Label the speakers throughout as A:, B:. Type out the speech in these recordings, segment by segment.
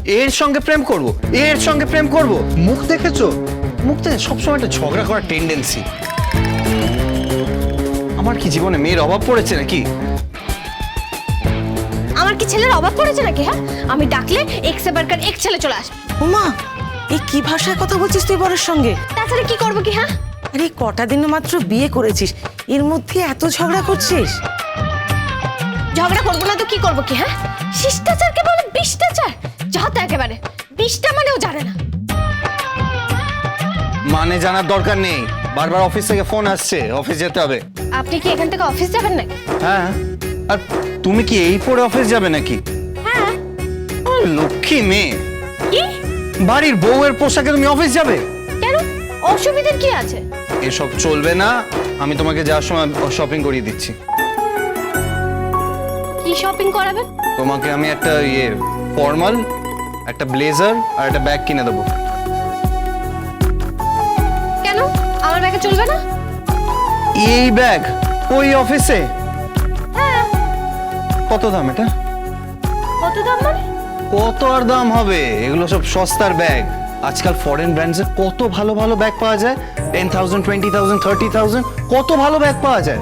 A: এর সঙ্গে প্রেম করব, এর সঙ্গে প্রেম করব? মুখ দেখেছো? মুখ দেখে সবসময় একটা ঝগড়া করার টেন্ডেন্সি। আমার কি জীবনে মেয়ের অভাব পড়েছে নাকি?
B: আমার কি ছেলের অভাব পড়েছে নাকি? হ্যাঁ, আমি ডাকলে এক সে বারকার এক ছেলে চলে আসবে।
C: ওমা, এই কি ভাষায় কথা বলছিস তুই বরের সঙ্গে?
B: তাছাড়া কি করবো কি? হ্যাঁ,
C: আরে কটা দিন মাত্র বিয়ে করেছিস, এর মধ্যে এত ঝগড়া করছিস?
B: ঝগড়া করবো না তো কি করবো কি? হ্যাঁ, শিষ্টাচারকে বলে বিষ্টাচার, যা তো একেবারে বিষ্টা মানেও জানে না।
A: মানে জানার দরকার নেই, বারবার অফিস থেকে ফোন আসছে, অফিস যেতে হবে।
B: আপনি কি এখান থেকে অফিস যাবেন নাকি?
A: হ্যাঁ, আর তুমি কি এই পরে অফিস যাবে নাকি?
B: হ্যাঁ।
A: লক্ষ্মী মেয়ে,
B: কি
A: বাড়ির বউয়ের পোশাকে তুমি অফিস যাবে?
B: কেন, অসুবিধার কি আছে?
A: এসব চলবে না, আমি তোমাকে যাওয়ার সময় শপিং করিয়ে দিচ্ছি।
B: কি শপিং করাবেন?
A: তোমাকে আমি একটা ফর্মাল, একটা ব্লেজার আর একটা ব্যাগ কিনে দেবো।
B: কেন, আমার ব্যাগে চলবে না?
A: এই ব্যাগ ওই অফিসে?
B: হ্যাঁ।
A: কত দাম এটা?
B: কত দাম মানে?
A: কত আর দাম হবে, এগুলো সব সস্তার ব্যাগ। আজকাল ফরেন ব্র্যান্ডসে কত ভালো ভালো ব্যাগ পাওয়া যায়, 10,000, 20,000, 30,000, কত ভালো ব্যাগ পাওয়া যায়।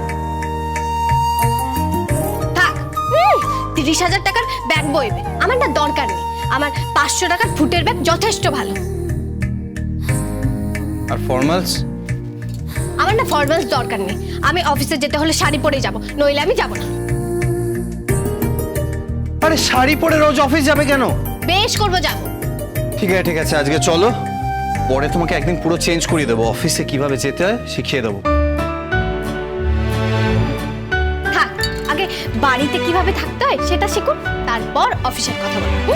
B: থাক, 30,000 টাকার ব্যাগ বইবে আমার না দরকার নেই। আমার 500 টাকার ফুটের ব্যাগ যথেষ্ট ভালো।
A: আর ফর্মালস?
B: আমার না ফর্মালস দরকার নেই। আমি অফিসে যেতে হলে শাড়ি পরে যাব, নইলে আমি যাব না।
A: আরে শাড়ি পরে রোজ অফিস যাবে কেন?
B: বেশ করবো, যাব।
A: ঠিক আছে, আজকে চলো, পরে তোমাকে একদিন পুরো চেঞ্জ করিয়ে দেবো, অফিসে কিভাবে যেতে হয় শিখিয়ে দেবো।
B: থাক, আগে বাড়িতে কিভাবে থাকতে হয় সেটা শিখুন, তারপর অফিসের কথা বলুন।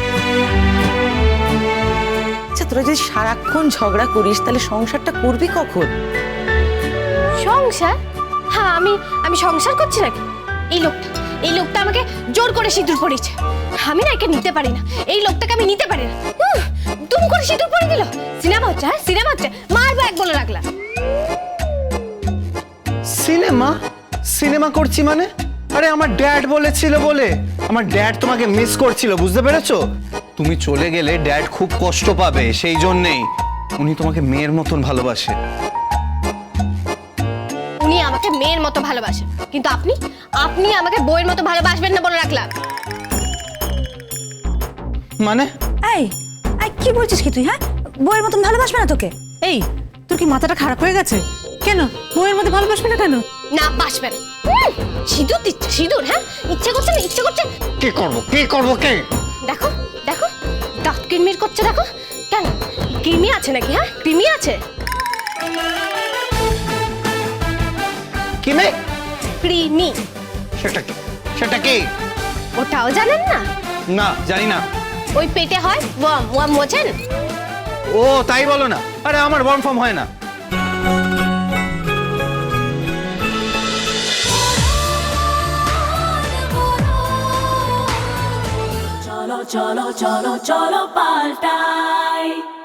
C: আচ্ছা, তোরা যদি সারাক্ষণ ঝগড়া করিস তাহলে সংসারটা করবি কখন?
B: সংসার? হ্যাঁ, আমি সংসার করছি নাকি? এই লোকটা আমাকে জোর করে সিঁদুর পরিয়েছে। আমি না একে নিতে পারি না, এই লোকটাকে আমি নিতে পারি না। দুম করে সিঁদুর পরে দিল। সিনেমা হচ্ছে? হ্যাঁ, সিনেমা হচ্ছে, মারবো এক বলে রাখলাম।
A: সিনেমা করছি মানে? আরে আমার ড্যাড বলেছিল বলে, আমার ড্যাড তোমাকে মিস করছিল, বুঝতে পেরেছো? তুমি চলে গেলে ড্যাড খুব কষ্ট পাবে, সেই জন্যেই উনি তোমাকে মেয়ের মতন ভালোবাসে।
B: উনি আমাকে মেয়ের মতো ভালোবাসে, কিন্তু আপনি আমাকে বউয়ের মতো ভালোবাসবেন না বলে রাখলাম।
A: মানে?
D: এই এই কি বলছিস কি তুই? হ্যাঁ, বউয়ের মতন ভালোবাসবে না তোকে? এই, তোর কি মাথাটা খারাপ হয়ে গেছে? কেন বউয়ের মধ্যে ভালোবাসবে না কেন?
B: না, বাসবে না। সিঁদুর দিচ্ছে, সিঁদুর। হ্যাঁ, ইচ্ছে করছে না, ইচ্ছে করছে।
A: কি করবো কে?
B: দেখো দেখো, দাঁত কিরমির করছে, দেখো। কেন, কৃমি আছে নাকি? হ্যাঁ, কৃমি আছে।
A: কি মেয়ে?
B: কৃমি।
A: সেটা কি?
B: ওটাও জানেন না?
A: না, জানি না।
B: ওই পেটে হয় ওয়াম, ওয়াম বোঝেন?
A: ও তাই বলো না, আরে আমার ওয়ার্ম ফর্ম হয় না।
E: cholo, cholo, cholo, cholo, paltai.